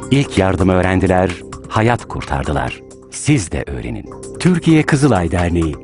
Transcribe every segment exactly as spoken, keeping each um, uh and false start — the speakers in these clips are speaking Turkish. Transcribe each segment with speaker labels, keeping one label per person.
Speaker 1: İlk yardımı öğrendiler, hayat kurtardılar. Siz de öğrenin. Türkiye Kızılay Derneği.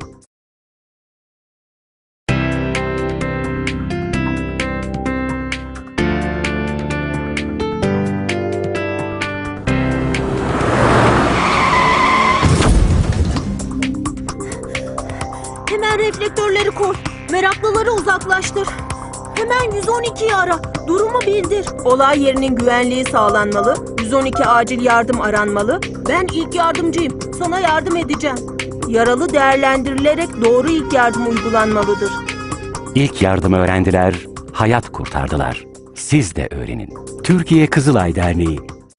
Speaker 2: Hemen reflektörleri koy. Meraklıları uzaklaştır. Hemen yüz on ikiyi ara. Durumu bildir. Olay yerinin güvenliği sağlanmalı. yüz on iki acil yardım aranmalı. Ben ilk yardımcıyım. Sana yardım edeceğim. Yaralı değerlendirilerek doğru ilk yardım uygulanmalıdır.
Speaker 1: İlk yardımı öğrendiler, hayat kurtardılar. Siz de öğrenin. Türkiye Kızılay Derneği.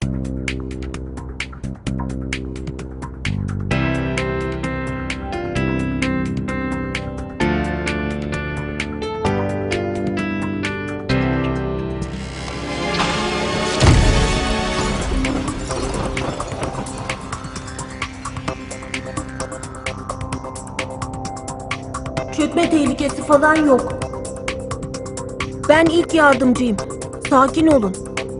Speaker 2: Çökme tehlikesi falan yok. Ben ilk yardımcıyım. Sakin olun.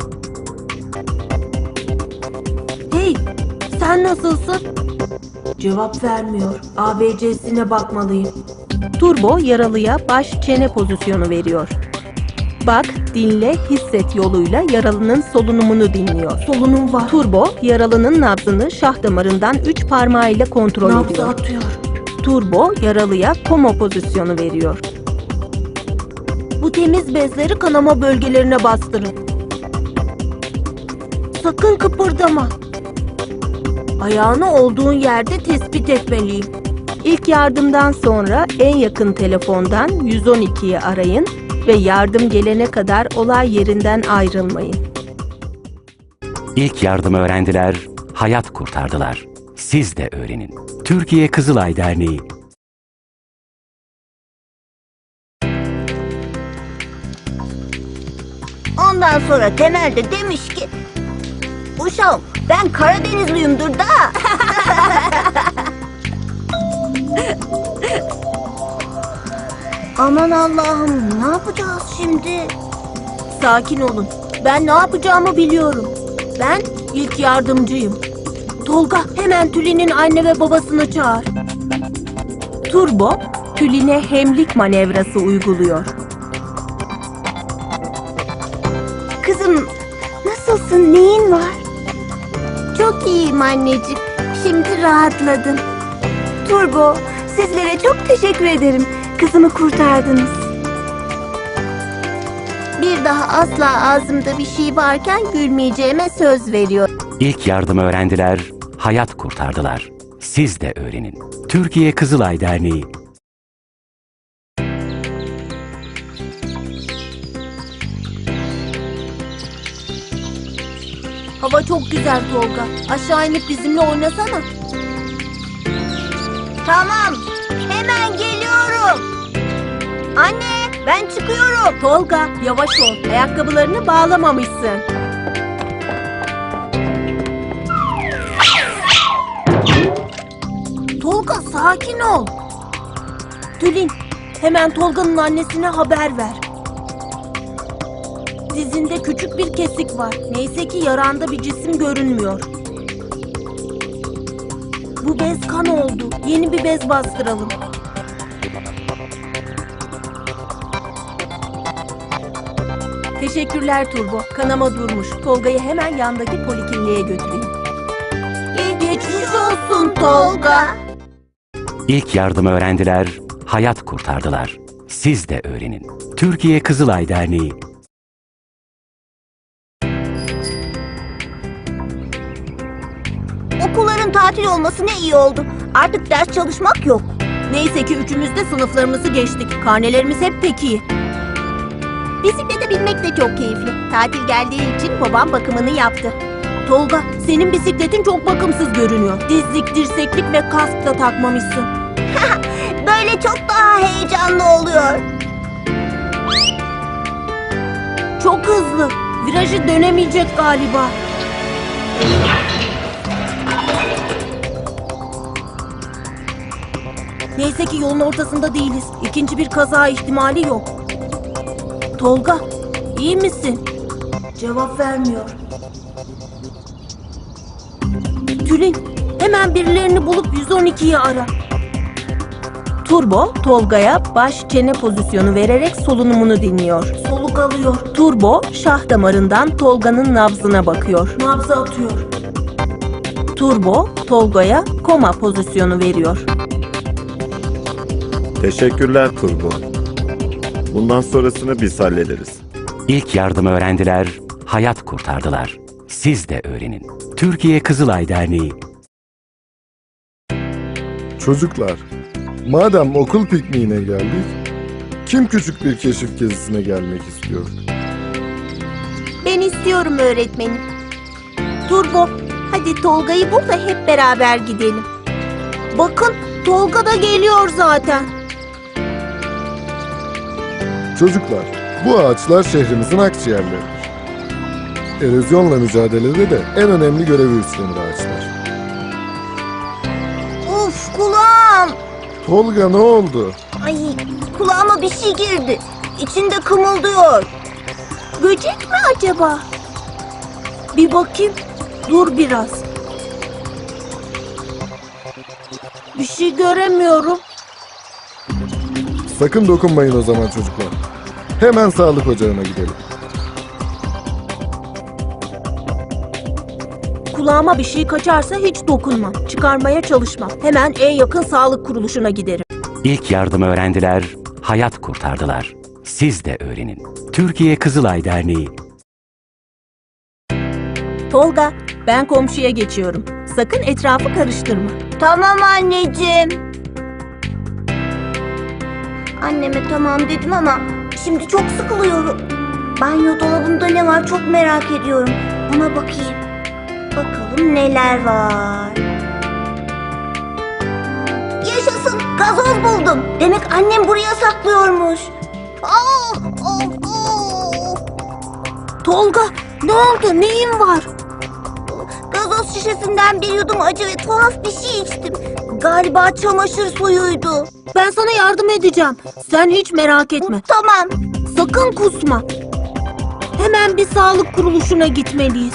Speaker 2: Hey, sen nasılsın? Cevap vermiyor. A B C'sine bakmalıyım. Turbo yaralıya baş çene pozisyonu veriyor. Bak, dinle, hisset yoluyla yaralının solunumunu dinliyor. Solunum var. Turbo yaralının nabzını şah damarından üç parmağıyla kontrol ediyor. Nabzı atıyor. Turbo yaralıya koma pozisyonu veriyor. Bu temiz bezleri kanama bölgelerine bastırın. Sakın kıpırdama. Ayağını olduğun yerde tespit etmeliyim. İlk yardımdan sonra en yakın telefondan yüz on ikiyi arayın ve yardım gelene kadar olay yerinden ayrılmayın.
Speaker 1: İlk yardımı öğrendiler, hayat kurtardılar. Siz de öğrenin. Türkiye Kızılay Derneği.
Speaker 3: Ondan sonra temelde demiş ki, uşağım ben Karadenizliyimdir da. Aman Allah'ım, ne yapacağız şimdi?
Speaker 2: Sakin olun. Ben ne yapacağımı biliyorum. Ben ilk yardımcıyım. Tolga, hemen Tülin'in anne ve babasını çağır. Turbo, Tülin'e hemlik manevrası uyguluyor.
Speaker 3: Kızım, nasılsın, neyin var? Çok iyiyim anneciğim, şimdi rahatladım. Turbo, sizlere çok teşekkür ederim. Kızımı kurtardınız. Bir daha asla ağzımda bir şey varken gülmeyeceğime söz veriyorum.
Speaker 1: İlk yardımı öğrendiler, hayat kurtardılar. Siz de öğrenin. Türkiye Kızılay Derneği.
Speaker 2: Hava çok güzel Tolga. Aşağı inip bizimle oynasana.
Speaker 3: Tamam, hemen geliyorum. Anne, ben çıkıyorum.
Speaker 2: Tolga, yavaş ol. Ayakkabılarını bağlamamışsın. Tolga, sakin ol. Tülin, hemen Tolga'nın annesine haber ver. Dizinde küçük bir kesik var. Neyse ki yaranda bir cisim görünmüyor. Bu bez kan oldu. Yeni bir bez bastıralım. Teşekkürler Turbo. Kanama durmuş. Tolga'yı hemen yandaki polikliniğe götüreyim.
Speaker 3: Geçmiş olsun Tolga.
Speaker 1: İlk yardımı öğrendiler, hayat kurtardılar. Siz de öğrenin. Türkiye Kızılay Derneği.
Speaker 3: Okulların tatil olması ne iyi oldu. Artık ders çalışmak yok.
Speaker 2: Neyse ki üçümüz de sınıflarımızı geçtik. Karnelerimiz hep pek iyi.
Speaker 3: Bisiklete binmek de çok keyifli. Tatil geldiği için babam bakımını yaptı.
Speaker 2: Tolga, senin bisikletin çok bakımsız görünüyor. Dizlik, dirseklik ve kask da takmamışsın.
Speaker 3: Böyle çok daha heyecanlı oluyor.
Speaker 2: Çok hızlı. Virajı dönemeyecek galiba. Neyse ki yolun ortasında değiliz. İkinci bir kaza ihtimali yok. Tolga, iyi misin? Cevap vermiyor. Tülin, hemen birilerini bulup yüz on ikiyi ara. Turbo, Tolga'ya baş çene pozisyonu vererek solunumunu dinliyor. Soluk alıyor. Turbo, şah damarından Tolga'nın nabzına bakıyor. Nabzı atıyor. Turbo, Tolga'ya koma pozisyonu veriyor.
Speaker 4: Teşekkürler Turbo. Bundan sonrasını biz hallederiz.
Speaker 1: İlk yardımı öğrendiler, hayat kurtardılar. Siz de öğrenin. Türkiye Kızılay Derneği.
Speaker 5: Çocuklar, madem okul pikniğine geldik, kim küçük bir keşif gezisine gelmek istiyor?
Speaker 2: Ben istiyorum öğretmenim. Turbo, hadi Tolga'yı bul da hep beraber gidelim. Bakın, Tolga da geliyor zaten.
Speaker 5: Çocuklar, bu ağaçlar şehrimizin akciğerleridir. Erozyonla mücadelede de en önemli görevi üstlenir ağaçlar.
Speaker 3: Uf kulağım.
Speaker 5: Tolga ne oldu?
Speaker 3: Ay kulağıma bir şey girdi. İçinde kımıldıyor.
Speaker 2: Böcek mi acaba? Bir bakayım. Dur biraz. Bir şey göremiyorum.
Speaker 5: Sakın dokunmayın o zaman çocuklar. Hemen sağlık ocağına gidelim.
Speaker 2: Kulağıma bir şey kaçarsa hiç dokunmam. Çıkarmaya çalışmam. Hemen en yakın sağlık kuruluşuna giderim.
Speaker 1: İlk yardımı öğrendiler, hayat kurtardılar. Siz de öğrenin. Türkiye Kızılay Derneği.
Speaker 2: Tolga, ben komşuya geçiyorum. Sakın etrafı karıştırma.
Speaker 3: Tamam anneciğim. Anneme tamam dedim ama şimdi çok sıkılıyorum. Banyo dolabında ne var çok merak ediyorum. Ona bakayım. Bakalım neler var. Yaşasın, gazoz buldum. Demek annem buraya saklıyormuş. Oh, oh, oh.
Speaker 2: Tolga, ne oldu? Neyin var?
Speaker 3: Gazoz şişesinden bir yudum acı ve tuhaf bir şey içtim. Galiba çamaşır suyuydu.
Speaker 2: Ben sana yardım edeceğim. Sen hiç merak etme.
Speaker 3: Tamam.
Speaker 2: Sakın kusma. Hemen bir sağlık kuruluşuna gitmeliyiz.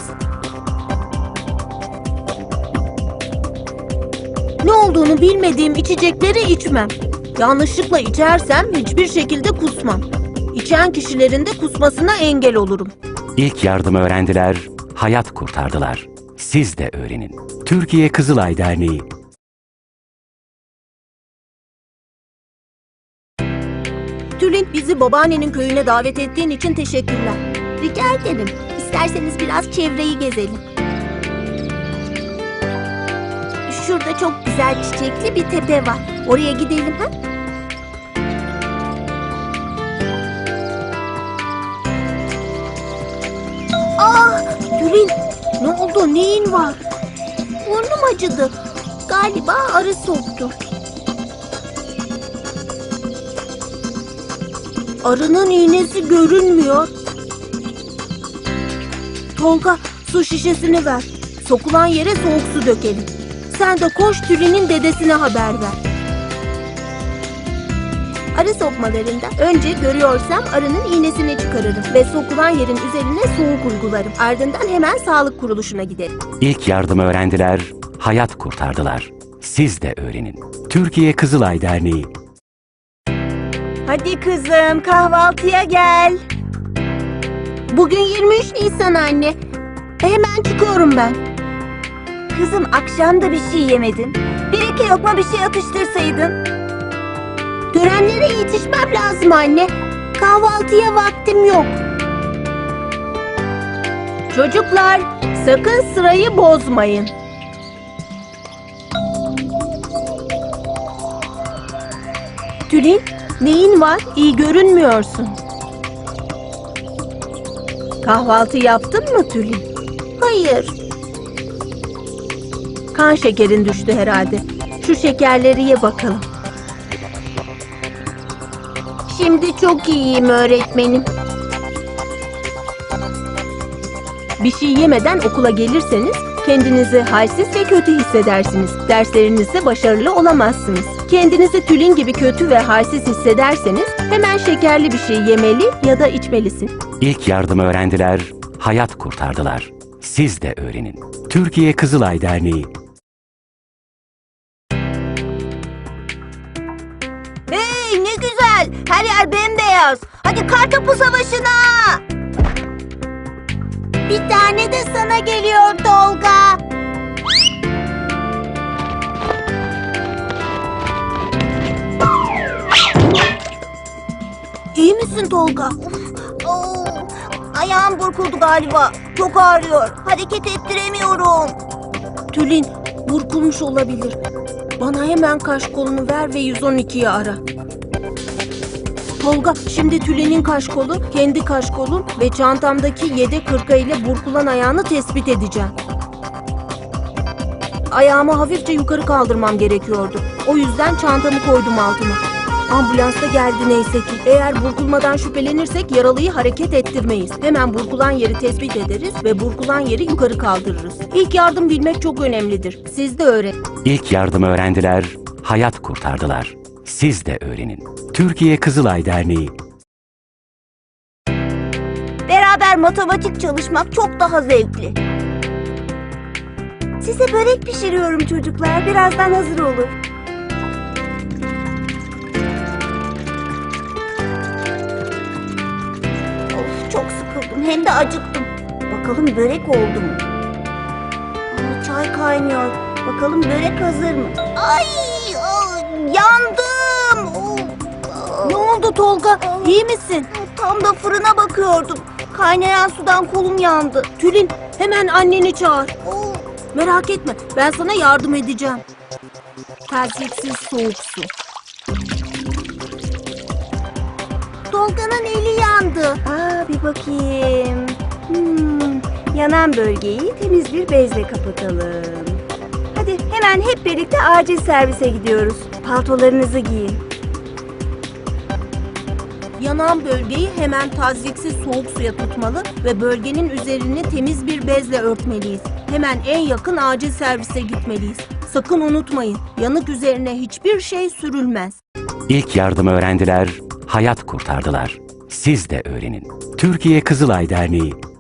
Speaker 2: Ne olduğunu bilmediğim içecekleri içmem. Yanlışlıkla içersem hiçbir şekilde kusmam. İçen kişilerin de kusmasına engel olurum.
Speaker 1: İlk yardımı öğrendiler, hayat kurtardılar. Siz de öğrenin. Türkiye Kızılay Derneği.
Speaker 2: Tülin, bizi babaannenin köyüne davet ettiğin için teşekkürler. Rica ederim. İsterseniz biraz çevreyi gezelim. Şurada çok güzel çiçekli bir tepe var. Oraya gidelim ha? Ah! Tülin, ne oldu? Neyin var? Burnum acıdı. Galiba arı soktu. Arının iğnesi görünmüyor. Tolga, su şişesini ver. Sokulan yere soğuk su dökelim. Sen de koş Tülin'in dedesine haber ver. Arı sokmalarında önce görüyorsam arının iğnesini çıkarırım ve sokulan yerin üzerine soğuk uygularım. Ardından hemen sağlık kuruluşuna giderim.
Speaker 1: İlk yardımı öğrendiler, hayat kurtardılar. Siz de öğrenin. Türkiye Kızılay Derneği.
Speaker 3: Hadi kızım kahvaltıya gel.
Speaker 2: Bugün yirmi üç Nisan anne. Hemen çıkıyorum ben.
Speaker 3: Kızım akşam da bir şey yemedin. Bir iki lokma bir şey atıştırsaydın.
Speaker 2: Törenlere yetişmem lazım anne. Kahvaltıya vaktim yok. Çocuklar, sakın sırayı bozmayın. Tülin, neyin var? İyi görünmüyorsun. Kahvaltı yaptın mı Tülin? Hayır. Kan şekerin düştü herhalde. Şu şekerleri ye bakalım. Şimdi çok iyiyim öğretmenim. Bir şey yemeden okula gelirseniz kendinizi halsiz ve kötü hissedersiniz. Derslerinizde başarılı olamazsınız. Kendinizi Tülin gibi kötü ve halsiz hissederseniz hemen şekerli bir şey yemeli ya da içmelisin.
Speaker 1: İlk yardımı öğrendiler, hayat kurtardılar. Siz de öğrenin. Türkiye Kızılay Derneği.
Speaker 3: Hey ne güzel. Her yer bembeyaz. Hadi kartopu savaşına. Bir tane de sana geliyor Tolga. İyi misin Tolga? Of, oo, ayağım burkuldu galiba. Çok ağrıyor. Hareket ettiremiyorum.
Speaker 2: Tülin, burkulmuş olabilir. Bana hemen kaş kolunu ver ve yüz on ikiyi ara. Tolga, şimdi Tülin'in kaş kolu, kendi kaş kolum ve çantamdaki yedek hırka ile burkulan ayağını tespit edeceğim. Ayağımı hafifçe yukarı kaldırmam gerekiyordu. O yüzden çantamı koydum altına. Ambulans da geldi neyse ki. Eğer burkulmadan şüphelenirsek yaralıyı hareket ettirmeyiz. Hemen burkulan yeri tespit ederiz ve burkulan yeri yukarı kaldırırız. İlk yardım bilmek çok önemlidir. Siz de öğrenin.
Speaker 1: İlk yardımı öğrendiler, hayat kurtardılar. Siz de öğrenin. Türkiye Kızılay Derneği.
Speaker 3: Beraber matematik çalışmak çok daha zevkli. Size börek pişiriyorum çocuklar. Birazdan hazır olur. Of çok sıkıldım. Hem de acıktım. Bakalım börek oldu mu? Aa, çay kaynıyor. Bakalım börek hazır mı? Ay, aa, yandım. Of, aa.
Speaker 2: Ne oldu Tolga? İyi misin?
Speaker 3: Tam da fırına bakıyordum. Kaynayan sudan kolum yandı.
Speaker 2: Tülin, hemen anneni çağır.
Speaker 3: Oo,
Speaker 2: Merak etme, ben sana yardım edeceğim. Tersiksiz soğuk su.
Speaker 3: Tolga'nın eli yandı. Aa, bir bakayım. Hmm, yanan bölgeyi temiz bir bezle kapatalım. Hadi hemen hep birlikte acil servise gidiyoruz. Paltolarınızı giyin.
Speaker 2: Yanan bölgeyi hemen tazyiksiz soğuk suya tutmalı ve bölgenin üzerini temiz bir bezle örtmeliyiz. Hemen en yakın acil servise gitmeliyiz. Sakın unutmayın, yanık üzerine hiçbir şey sürülmez.
Speaker 1: İlk yardımı öğrendiler, hayat kurtardılar. Siz de öğrenin. Türkiye Kızılay Derneği.